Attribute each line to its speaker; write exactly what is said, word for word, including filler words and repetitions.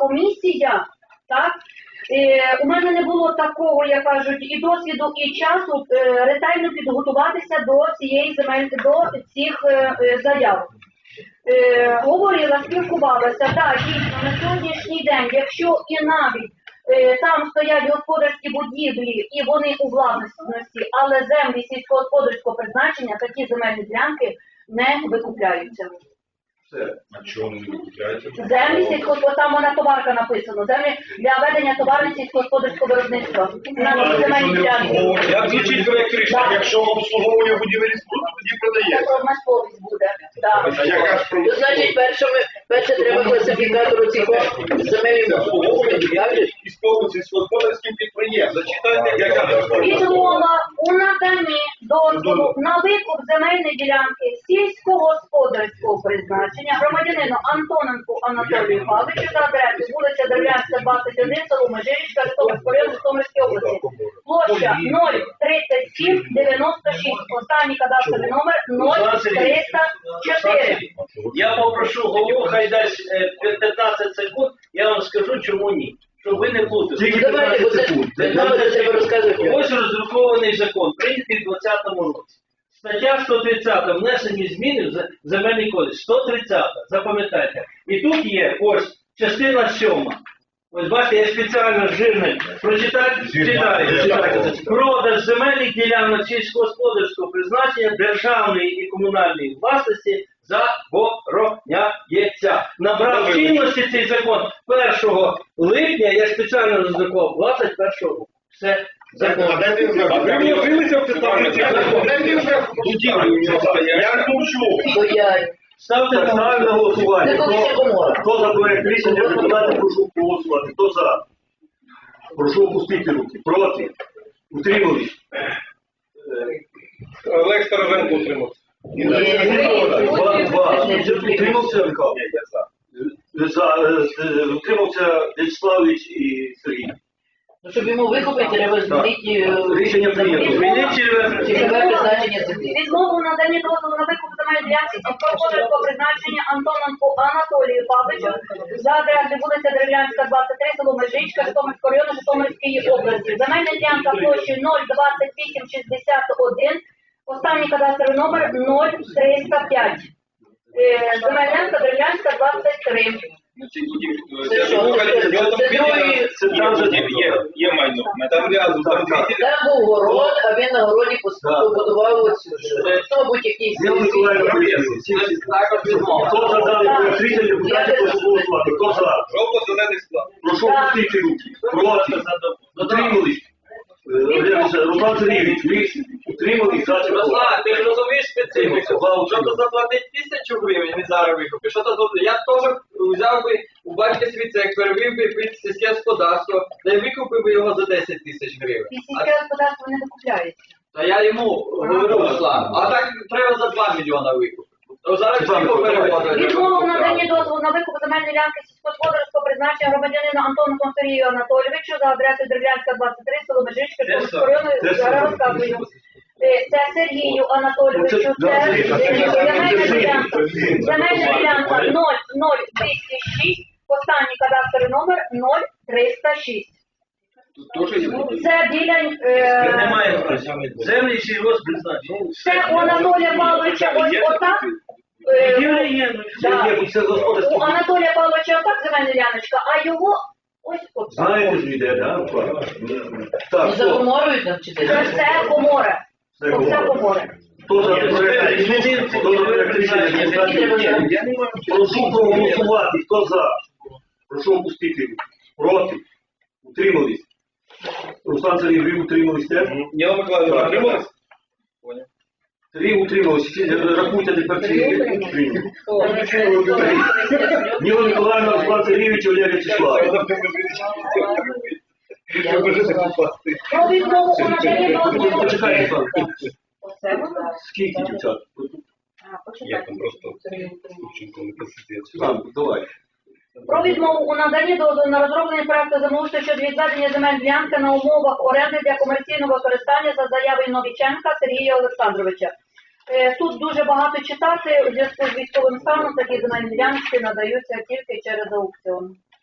Speaker 1: комісія, так, е, у мене не було такого, як кажуть, і досвіду, і часу е, ретельно підготуватися до цієї земель, до цих е, е, заяв. Е, говорила, спілкувалася, так, дійсно, на сьогоднішній день, якщо і навіть е, там стоять господарські будівлі і вони у власності, але землі сільськогосподарського призначення, такі земельні ділянки не викупляються.
Speaker 2: Все. А чого вони не викупляються?
Speaker 1: Землі сільськогосподарського, там вона товарка написано, землі для ведення товарів сільськогосподарського виробництва. На земельні ділянки.
Speaker 2: Як звучить проєкт рішення? Якщо обслуговує будівельні споруди, тоді продається.
Speaker 1: Це промисловість буде. Так.
Speaker 2: А яка ж
Speaker 3: Ну, значить, перше, ми, перше треба класифікатору цих земельних обслуговування, як же?
Speaker 2: Військовим сільськогосподарським підприємством. Зачитайте, яка ж
Speaker 1: Відмова у наданні дозволу на викуп земельної ділянки сільськогосподарського призначення громадянину Антоненку Анатолію Павловичу за адресою вулиця Дерев'янська, двадцять один, село Межирічка, Житомирського району, Житомирської області. Площа нуль тридцять сім дев'яносто шість. Останній кадастровий номер нуль триста чотири.
Speaker 4: Я попрошу голову, хай дасть е, п'ятнадцять секунд, я вам скажу, чому ні. Щоб ви не плутали.
Speaker 3: Ну, давайте, бо це, це нам треба розказувати.
Speaker 4: Ось роздрукований закон, прийнятий в двадцятому році. Стаття сто тридцята, внесені зміни в земельний кодекс. сто тридцята, запам'ятайте. І тут є ось частина сьома. Ось бачите, я спеціально жирний. Прочитайте, читайте, читайте. Продаж земельних ділянок сільськогосподарського призначення державної і комунальної власності забороняється. Набрав чинності цей закон першого липня, я спеціально роздрукував, двадцять першого року. Все, закон.
Speaker 2: А ви вложилися в це там? Я ж мовчу.
Speaker 3: Бо я...
Speaker 4: Ставте на
Speaker 5: Ставимо на голосування.
Speaker 3: Це комісія комора.
Speaker 5: Хто за проект рішення депутатів, прошу проголосувати. Хто за? Прошу опустити руки. Проти? Утримались?
Speaker 2: Олег Старовенко утримався.
Speaker 5: Два, два. Утримався, Михайло? За, е, Утримався Вячеславович і Сергій.
Speaker 3: Ну, щоб йому викупити, треба змінити
Speaker 5: Рішення прийнято.
Speaker 3: цільове призначення землі.
Speaker 1: Відмову надані дозволу на викуп земельної ділянки сільськогосподарського призначення Антоненку Анатолію Павловичу за адресою вулиця Дерев'янська, двадцять три, село Межичка, Житомирського району, Житомирської області. Земельна ділянка площею нуль двадцять вісім шістдесят один, останній кадастровий номер нуль триста п'ять. Земельна ділянка Дерев'янська, двадцять три.
Speaker 3: Це що? Це другий...
Speaker 5: Це там же
Speaker 2: Є майно. Там рядом, там дві.
Speaker 3: Там був город, а він на городі побудував оцю. Хто будь якийсь...
Speaker 5: Ніна Миколаївна, хто за даний проект рішення депутатів, прошу голосувати. Хто за?
Speaker 2: Жовто-зелений склад.
Speaker 5: Прошу опустити руки. Проти? Утримались? Руслан Сергійович, ви утримались? За чи проти?
Speaker 6: Руслан, ти ж розумієш специфіку. Що то заплатить тисячу гривень, він зараз викупить. Що то заплатить? Я теж взяв би у батька свій цех, перевів би під сільське господарство, та й викупив би його за десять тисяч гривень.
Speaker 1: І сільське господарство не викупляється.
Speaker 6: Та я йому говорю, Руслан, а так треба за два мільйона викупити. То зараз всі попереводили.
Speaker 1: Відмова в наданні дозволу на викуп земельної ділянки сільськогосподарського призначення громадянину Антону Сергію Анатолійовичу за адресою Дерев'янська, двадцять три, село Межичка, Житомирського району, зараз розказую. Це Сергію Анатолійовичу, це земельна ділянка, земельна ділянка нуль нуль двісті шість, останній кадастровий номер нуль триста шість. Це біля... е,
Speaker 4: Немає землі сільгосппризначення.
Speaker 1: Це у Анатолія Павловича ось отак. е,
Speaker 4: Є, є, ну,
Speaker 1: да.
Speaker 5: Є, це господарський.
Speaker 1: У Анатолія Павловича отак земельна діляночка, а його ось отак.
Speaker 5: Знаєте ж іде, так?
Speaker 3: Не
Speaker 5: Так, хто?
Speaker 3: закоморюють нам чи
Speaker 1: Це
Speaker 3: це?
Speaker 1: все комори.
Speaker 5: Це
Speaker 1: Це все
Speaker 5: комори.
Speaker 1: комори.
Speaker 5: Хто за проект рішення? Хто за проект рішення депутатів? Прошу проголосувати. Хто за? Прошу опустити руки. Проти? Утримались? Руслан Сергій, ви утримались теж?
Speaker 2: Ніна Миколаївна,
Speaker 5: Так.
Speaker 2: утрималась?
Speaker 5: Три утрималися. Рахуйте тепер ці утримали. Ніна Миколаївна, Руслан Сергійович, Олег Вячеслав.
Speaker 1: Про відмову у наданні дозволу.
Speaker 5: Почекайте, Руслан.
Speaker 1: Оце воно.
Speaker 5: Скільки дівчат?
Speaker 1: А,
Speaker 2: Я
Speaker 1: почекайте.
Speaker 2: там просто Курченко не посидять.
Speaker 5: Там, давай.
Speaker 1: Про відмову у наданні дозволу на розроблення проекту землеустрою щодо відведення земель ділянки на умовах оренди для комерційного використання за заявою Новіченка Сергія Олександровича. Е, Тут дуже багато читати, у зв'язку з військовим станом такі земельні ділянки надаються тільки через аукціон.